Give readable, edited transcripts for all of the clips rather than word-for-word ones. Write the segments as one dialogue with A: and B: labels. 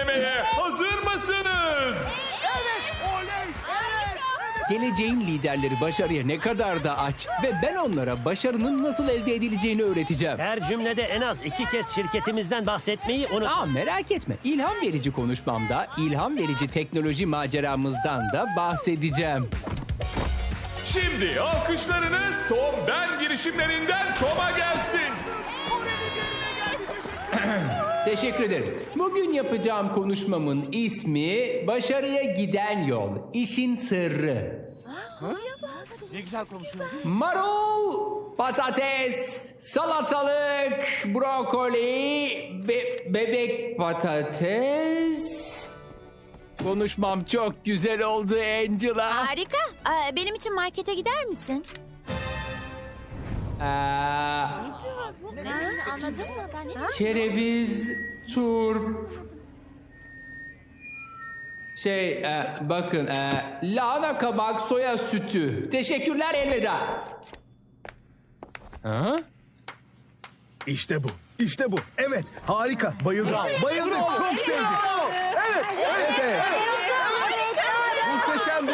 A: denemeye hazır mısınız?
B: Geleceğin liderleri başarıya ne kadar da aç ve ben onlara başarının nasıl elde edileceğini öğreteceğim.
C: Her cümlede en az 2 kez şirketimizden bahsetmeyi unut.
B: Merak etme. İlham verici konuşmamda ilham verici teknoloji maceramızdan da bahsedeceğim.
A: Şimdi alkışlarınız Tom Ben girişimlerinden Tom'a gelsin.
B: Teşekkür ederim. Bugün yapacağım konuşmamın ismi Başarıya Giden Yol. İşin Sırrı.
D: Ne güzel konuşuyorsun.
B: Marul, patates, salatalık, brokoli, bebek patates. Konuşmam çok güzel oldu Angela.
E: Harika. Benim için markete gider misin? Anladın mı?
B: Kereviz, turp. Bakın, lahana kabak, soya sütü. Teşekkürler, elveda. Ha?
F: İşte bu. İşte bu. Evet. Harika. Bayıldım. Bayıldım. Çok sevdim. Evet. Evet. Muhteşemdi.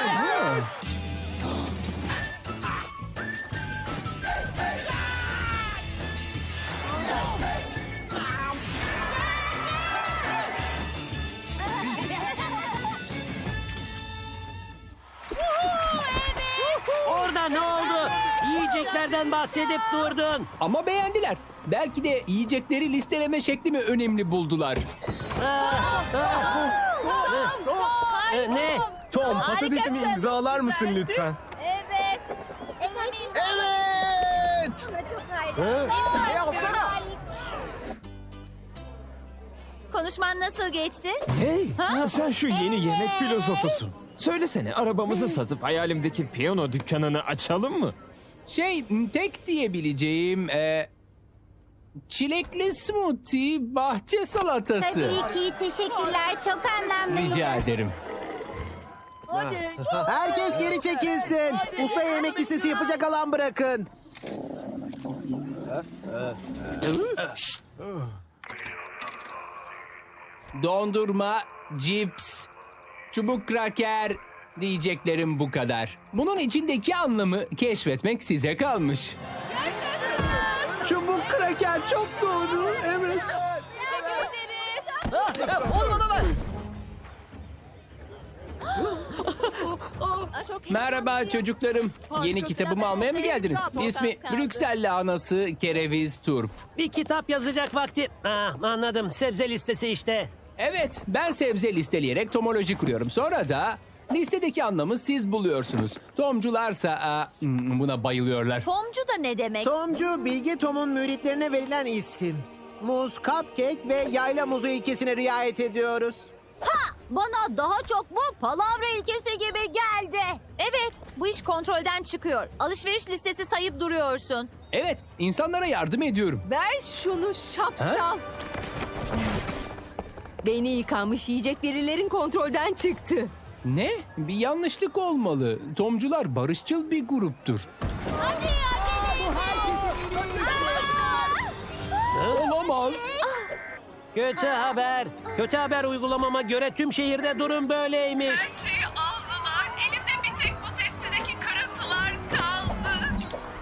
C: Orada ne oldu? Yiyeceklerden bahsedip durdun.
B: Ama beğendiler. Belki de yiyecekleri listeleme şeklimi önemli buldular.
C: Ne?
F: Tom, patatesimi imzalar mısın lütfen?
E: Evet.
F: Evet.
E: Konuşman nasıl geçti?
G: Hey, sen şu yeni yemek filozofusun. Söylesene, arabamızı satıp hayalimdeki piyano dükkanını açalım mı?
B: Tek diyebileceğim çilekli smoothie, bahçe salatası.
E: Tabii ki. Teşekkürler. Çok anlamlı.
B: Rica ederim.
D: Herkes geri çekilsin. Usta yemek listesi yapacak alan bırakın.
B: Dondurma, cips, çubuk kraker diyeceklerim bu kadar. Bunun içindeki anlamı keşfetmek size kalmış.
D: Çubuk kraker çok doğru. Evet.
B: Merhaba çocuklarım. Yeni kitabımı almaya mı geldiniz? İsmi Brüksel Lahanası Kereviz Turp.
C: Bir kitap yazacak vakti. Anladım. Sebze listesi işte.
B: Evet, ben sebze listeleyerek tomoloji kuruyorum. Sonra da listedeki anlamı siz buluyorsunuz. Tomcularsa buna bayılıyorlar.
E: Tomcu da ne demek?
D: Tomcu, Bilge Tom'un müritlerine verilen isim. Muz, cupcake ve yayla muzu ilkesine riayet ediyoruz.
E: Bana daha çok bu palavra ilkesi gibi geldi. Evet, bu iş kontrolden çıkıyor. Alışveriş listesi sayıp duruyorsun.
B: Evet, insanlara yardım ediyorum.
H: Ver şunu şapşal. Beyni yıkanmış yiyecek derilerin kontrolden çıktı.
B: Ne? Bir yanlışlık olmalı. Tomcular barışçıl bir gruptur. Olamaz.
C: Kötü haber. Kötü haber uygulamama göre tüm şehirde durum böyleymiş.
I: Her şeyi aldılar. Elimde bir tek bu tepsideki kırıntılar kaldı.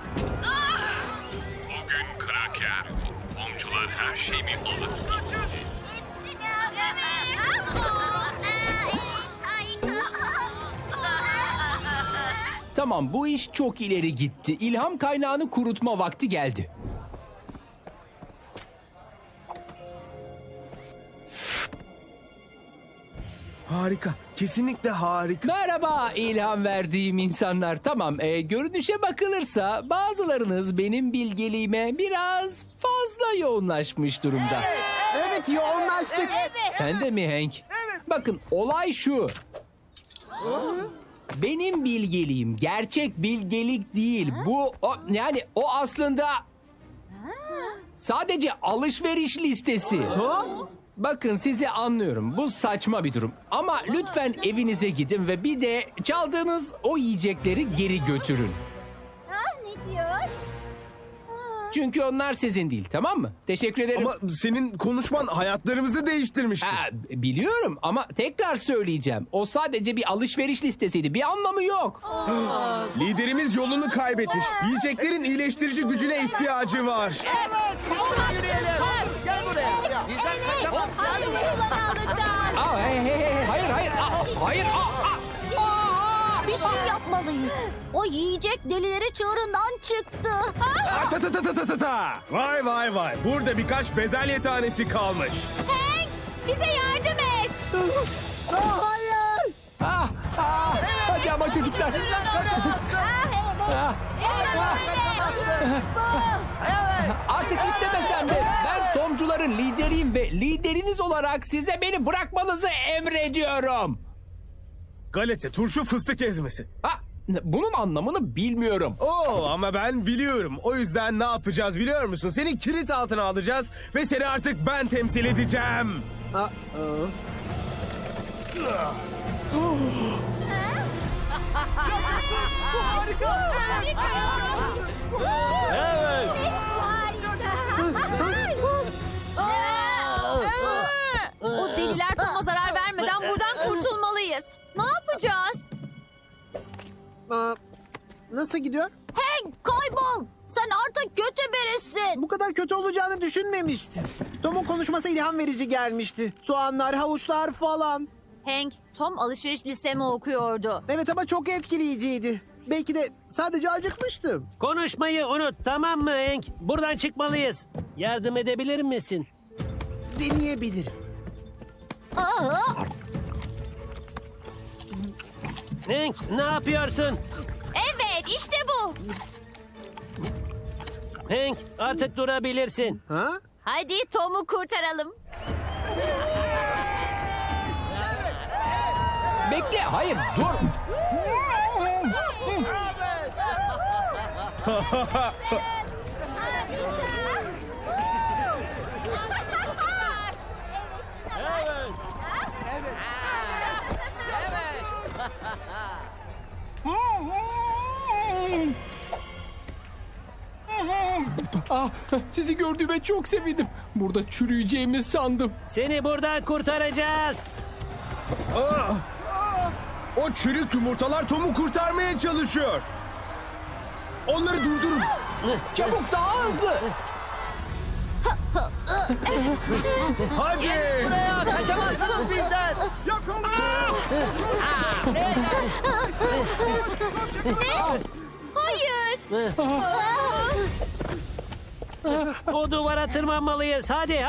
A: Bugün kraker. Tomcular her şeyimi alır.
B: Tamam, bu iş çok ileri gitti. İlham kaynağını kurutma vakti geldi.
F: Harika. Kesinlikle harika.
B: Merhaba ilham verdiğim insanlar. Tamam, görünüşe bakılırsa bazılarınız benim bilgeliğime biraz fazla yoğunlaşmış durumda.
D: Evet, yoğunlaştık.
B: Sen de mi Hank? Bakın, olay şu. Benim bilgeliğim gerçek bilgelik değil. O aslında sadece alışveriş listesi. Bakın, sizi anlıyorum. Bu saçma bir durum. Ama lütfen evinize gidin ve bir de çaldığınız o yiyecekleri geri götürün.
E: Ne diyor?
B: Çünkü onlar sizin değil, tamam mı? Teşekkür ederim.
F: Ama senin konuşman hayatlarımızı değiştirmişti.
B: Biliyorum ama tekrar söyleyeceğim. O sadece bir alışveriş listesiydi. Bir anlamı yok.
F: Liderimiz yolunu kaybetmiş. Yiyeceklerin iyileştirici gücüne ihtiyacı var.
B: Hayır.
E: Bir şey yapmalıyız. O yiyecek delileri çığırından çıktı.
F: Ta. Vay. Burada birkaç bezelye tanesi kalmış.
E: Hank, bize yardım et. Hayır.
B: Hadi ama çocuklar. Artık istemesem de ben Tomcuların lideriyim ve lideriniz olarak size beni bırakmanızı emrediyorum.
F: Galeta, turşu, fıstık ezmesi.
B: Bunun anlamını bilmiyorum.
F: Oo, ama ben biliyorum. O yüzden ne yapacağız biliyor musun? Seni kilit altına alacağız ve seni artık ben temsil edeceğim.
C: Evet.
E: O deliler Tom'a zarar vermeden buradan kurtulmalıyız. Ne yapacağız?
D: Nasıl gidiyor?
E: Hank, kaybol. Sen artık kötü birisin.
D: Bu kadar kötü olacağını düşünmemiştim. Tom'un konuşması ilham verici gelmişti. Soğanlar, havuçlar falan.
E: Hank, Tom alışveriş listemi okuyordu.
D: Evet ama çok etkileyiciydi. Belki de sadece acıkmıştım.
C: Konuşmayı unut, tamam mı Hank? Buradan çıkmalıyız. Yardım edebilir misin?
D: Deneyebilirim.
C: Hank, ne yapıyorsun?
E: Evet, işte bu.
C: Hank, artık durabilirsin.
D: Ha?
E: Hadi Tom'u kurtaralım.
B: Bekle, hayır, dur. Sizi gördüğüme çok sevindim. Burada çürüyeceğimi sandım.
C: Seni buradan kurtaracağız.
F: O çürük yumurtalar Tom'u kurtarmaya çalışıyor. Onları durdurun.
B: Çabuk, daha hızlı.
F: Hadi.
C: Kaçamazsınız bizden.
E: Hayır.
C: O duvara tırmanmalıyız. Hadi.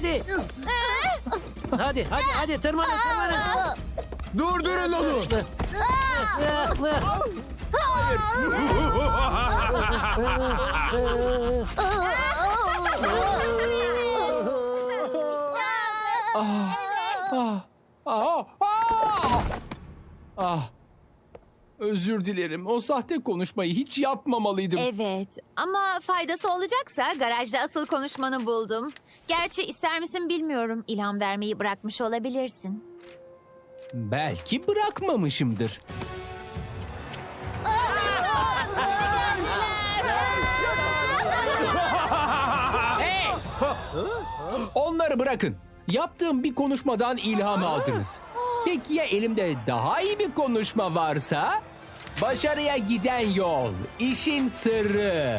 C: Hadi tırmanın.
F: Durdurun onu.
B: Özür dilerim. O sahte konuşmayı hiç yapmamalıydım.
E: Evet, ama faydası olacaksa garajda asıl konuşmanı buldum. Gerçi ister misin bilmiyorum. İlham vermeyi bırakmış olabilirsin.
B: Belki bırakmamışımdır. Hey! Onları bırakın. Yaptığım bir konuşmadan ilham aldınız. Peki ya elimde daha iyi bir konuşma varsa? Başarıya giden yol, işin sırrı.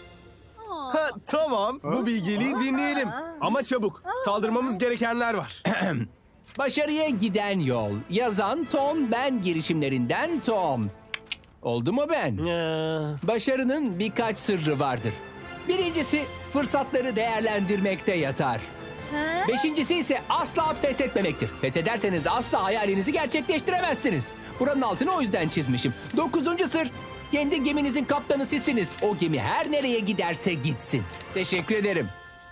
F: Tamam, bu bilgeliği dinleyelim. Ama çabuk, saldırmamız gerekenler var.
B: Başarıya giden yol. Yazan Tom, ben girişimlerinden Tom. Oldu mu ben? Başarının birkaç sırrı vardır. Birincisi fırsatları değerlendirmekte yatar. Beşincisi ise asla pes etmemektir. Pes ederseniz asla hayalinizi gerçekleştiremezsiniz. Buranın altını o yüzden çizmişim. 9. sır. Kendi geminizin kaptanı sizsiniz. O gemi her nereye giderse gitsin. Teşekkür ederim.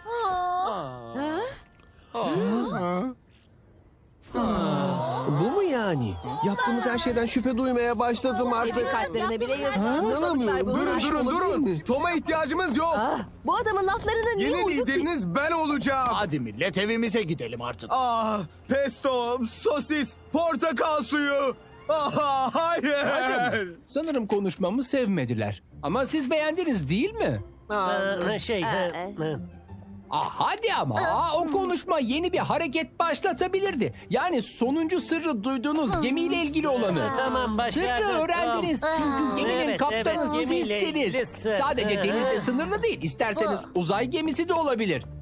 D: Bu mu yani? Yaptığımız her şeyden şüphe duymaya başladım artık.
H: Kartlarına bile yazıyor.
D: İnanamıyorum.
F: Durun. Tom'a ihtiyacımız yok.
H: Bu adamın laflarına niye
F: Yeni
H: uyduk ki?
F: lideriniz ben olacağım.
J: Hadi millet evimize gidelim artık.
F: Pesto, sosis, portakal suyu. Hayır.
B: Sanırım konuşmamı sevmediler. Ama siz beğendiniz değil mi? Hadi ama o konuşma yeni bir hareket başlatabilirdi. Yani sonuncu sırrı duyduğunuz gemiyle ilgili olanı.
C: Tamam, başardık.
B: Sırrı öğrendiniz çünkü geminin
C: Evet,
B: kaptanı
C: evet, gemiyle ilgili
B: sizsiniz.
C: sır.
B: Sadece denizde sınırlı değil. İsterseniz uzay gemisi de olabilir.